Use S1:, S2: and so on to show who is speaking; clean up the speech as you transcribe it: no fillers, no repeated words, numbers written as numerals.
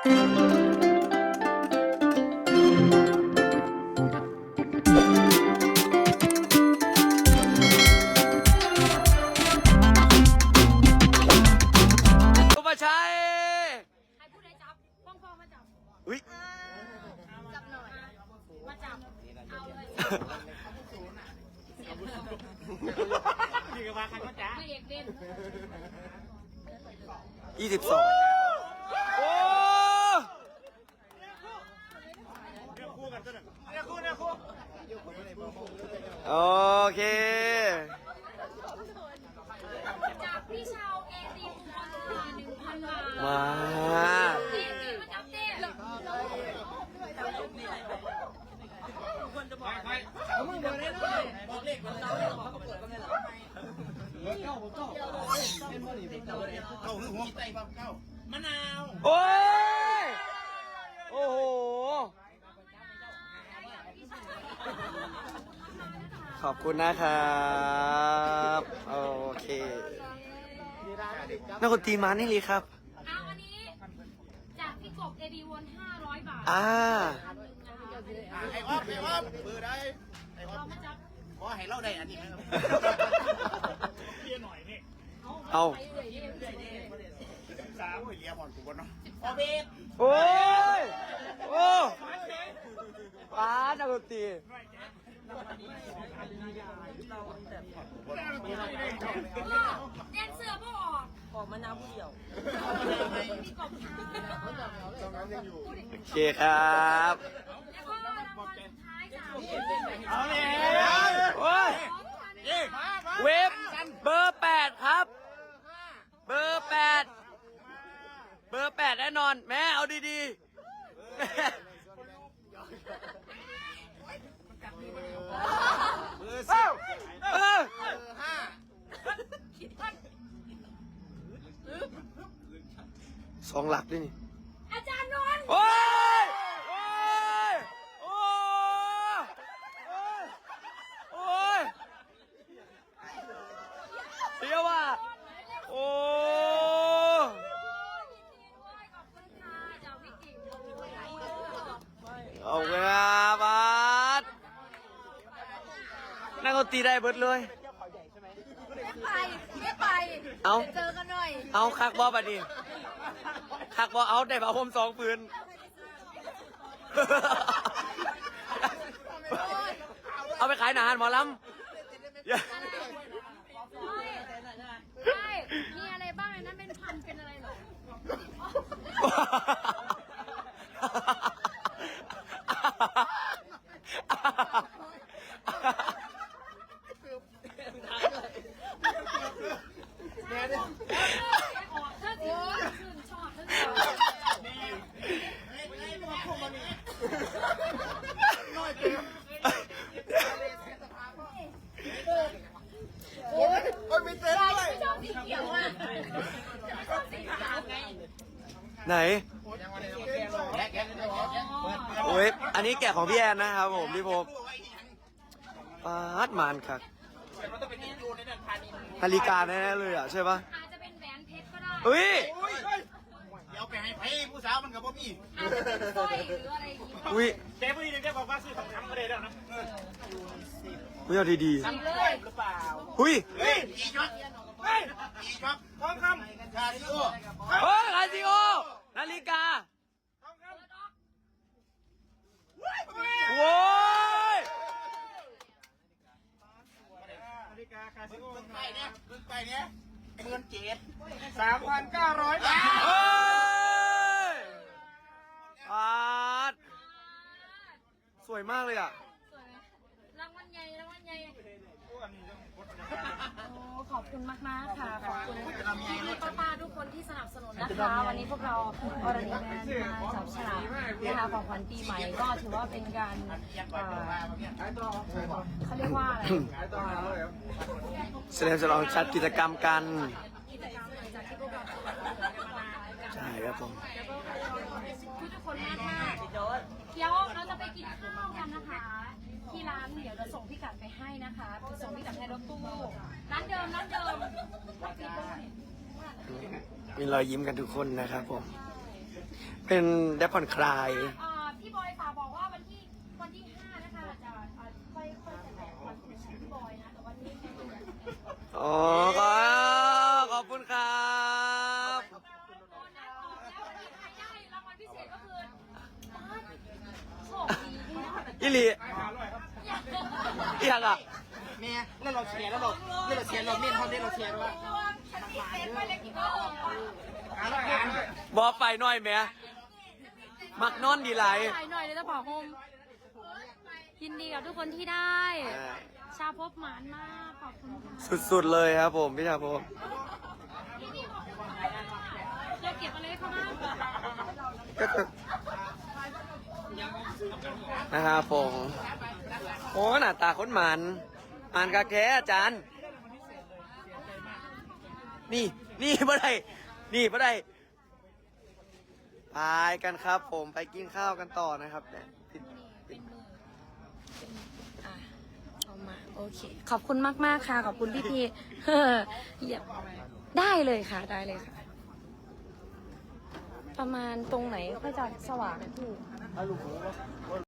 S1: สุภาชัย
S2: ใครพูดได้จับพ่องมาจับ
S1: อุ้ย
S2: จับหน่อยมาจับเอาเลย
S3: นี่ก็มาใครก็จ้า
S2: ไม่เอกเด่น
S1: 22โอ้
S3: เนี่ยคู่กันซะหน่อยเนี่ยคู่
S1: โอเค
S2: จากพี่ชาวเอดีตัวละ1,000 บาท
S1: มา
S2: เต้มาจับเต้
S3: เอามือบอกได้เลยบอกเลขมันเราเนี่ยเขาเปิดกันเลยเหรอเก้าหัวไตเก้ามะนาว
S1: โอ้ยโอ้โหขอบคุณนะครับโอเคนักดนตรีมานี่เลยครับ
S2: เอาอันนี้จากพี่กบเอดีวน500 บาท
S1: ไอ้
S3: ออฟเบอร์ได้ไอ้ออ
S2: เรา
S3: ฟ
S2: มาจับ
S3: ขอให้เราได้อันนี้นะครับเรียนหน่อยนี่
S1: เอา
S2: ไปเรื่อยๆ
S3: สามเรียบอลกูบอลเนาะออเบส
S1: โอ้ยโอ้ป้านักดนตรี
S2: แดนเสือพ่อออกมะนาวผู้เดียวมีกบทาง
S1: โอเคครับ
S2: แล้วก็รางวัลสุดท้ายจาก
S3: เอาเลย
S1: โอ้ยเว็บเบอร์8ครับเบอร์8แน่นอนแม่เอาดีๆแม่เบอร์2 หลักด้วยนี่
S2: อาจารย์นนท์
S1: โอ้ยโอ้ยโอ้ยโอ้ยเดี๋ยวว่ะโอ้
S2: ยินดีด้วยขอบคุณค่ะจากวิกิ
S1: เอาเวลาบัสนั่งเขาตีได้เบิดเลย
S2: ไม่ไป
S1: เอา
S2: เจอกันหน่อย
S1: เอาคักบอบัดนี้คักบอเอาได้ป่าผม2 ปืนเอาไปขายหนาหารหมอลำ
S2: ใช่มีอะไรบ้างในนั้นเป็นพันเป็นอะไรหรอออกเท่าที่ชื่นชอบเท่าไม่ชอบสีเขียวอ่ะชอบสีขาวไง
S1: ไหนโอ้ยอันนี้แกะของพี่แอนนะครับผมพี่พบปาดมานครับนาฬิกาแน่ๆเลยอ่ะใช่ปะ
S2: อาจจะเป็นแหวนเพชรก็ได้
S1: เฮ้ย
S3: เดี๋ยวไปให้ไพ่ผู้สาวมันกับพ่อพี่
S2: อาจจะเป็นสร้อยหรืออะไรอย่างงี้
S1: อุ้ย
S3: แกผู้หญิงแกบอกว่าซื้อทองคำมาได้แล้วนะ
S1: อุ้ยเอาดี
S2: สีเลย
S3: หรือเปล่า
S1: ๆอุ้ย
S3: เฮ้ยอีช็อปเฮ้ยอีช็อปทองคำคาริโอ
S1: เฮ้ยคาซิโอนาฬิกา
S3: ทองคำ
S1: โว้ย
S3: นาฬิกาคาสิโอไปเนี่ยไปเนี่ย17,3,900 บาท
S1: เฮ้ยปาดสวยมากเลยอ่ะ
S2: สวยไหมรางวัลใหญ่รางวัลใหญ่โอ้ขอบคุณมากๆค่ะขอบคุณพี่ๆป้าๆทุกคนที่สนับสนุนนะคะ วันนี้พวกเราอรดีแมนมาจับฉลากนะคะของขวัญปีใหม่ก็ถือว่าเป็นการเขาเรียกว่าอะไร
S1: แสดงฉลองจัดกิจกรรมกัน
S2: กิจกรรมหลังจากที่พวกเราทำงาน
S1: ใช่ครับผม
S2: ทุกคนมากมากเดี๋ยวเราจะไปกินข้าวกันนะคะ ที่ร้านเดี๋ยวจะส่งพิกัดไปให้นะคะส่งพิกัดให้รถตู้ร้านเดิมร้านเดิม
S1: มีรอยยิ้มกันทุกคนนะครับผมเป็นได้ผ่อนคลาย
S2: พี่บอยฝากบอกว่าวันที่5นะคะจะค่อยจะแตะวันของพี่บอยนะแต่วันนี้แค่เดือน
S1: อ๋อขอบคุณครับ
S2: โบนัสออกแล้ววันนี้ใครได้รางวัลพิเศษก็คือโชคดีที่ได้
S1: อิลีเอียงอ่ะ
S3: แม่แล้วเราแชร์แล้วเราแชร์เราเม่นเขาได้เราแชร์ด้วย
S2: ฉันมีเซนไว้เลยกี่โมง
S1: บอไฟหน่อยแม่มักนอนดีไหลาย
S2: ถ่ายหน่อยเลยจะบอกโฮมยินดีกับทุกคนที่ได้ ชาพบหมานมากขอบคุณค่ะ
S1: สุดๆเลยครับผมพี่ชาพบ
S2: พี่ขอบคุณค่ะเราเก็บอะไรเข้าบ้าง
S1: ก็จะนะครับผมโอ้หน้าตาคนหมันกะแกอาจารย์ นี่บ่ได้นี่บ่ได้ไปกันครับผมไปกินข้าวกันต่อนะครับเนี่ย
S2: เป็นมือเอามาโอเคขอบคุณมากๆค่ะขอบคุณพี่ๆเหยียบได้เลยค่ะได้เลยค่ะ ประมาณตรงไหนค่อยจะสว่างพี่